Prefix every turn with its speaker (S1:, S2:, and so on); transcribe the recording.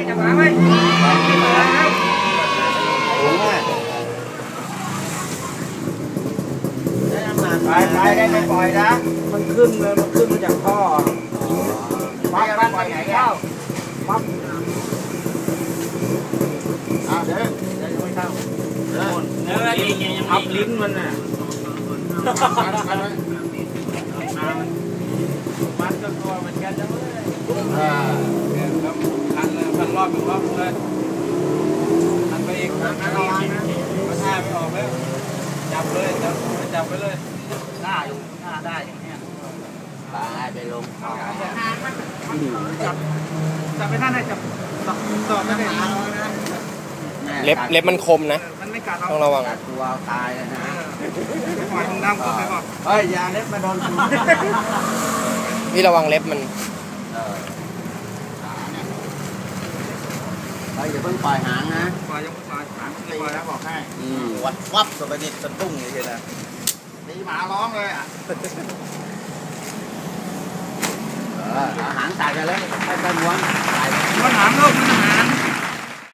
S1: จับหางไว้ไปได้ไม่ปล่อยนะมันขึ้นเลยมันขึ้นมาจากท่อปั๊บปล่อยไหนเข้าปั๊บเดี๋ยวไม่เข้าเนื้อทับลิ้นมันน่ะมันก็ตัวเหมือนกันจังเลยพันรอบรอบเลยพันไปอีกพันระวังนะกระท่าไม่ออกแล้วจับเลยจับไปเลยหน้าอยู่หน้าได้อย่างเงี้ยไปลงจับไปท่านได้จับต่อได้เลย
S2: เล็บมันคมนะต้องระวัง
S1: ตัวตายเลยนะปล่อยมึงน้ำก็ไปบอกเฮ้ยยาเล็บมาโดน
S2: พี่ระวังเล็บมัน
S1: อย่าเพิ่งปล่อยหางนะปล่อยยังปล่อยหางตีนะบอกให้วับตัวไปนิดสะตุ้งอย่างเงี้ยนะตีหมาร้องเลยอ่ะหางใส่กันเลยให้ไปม้วนหางลูกมันหาง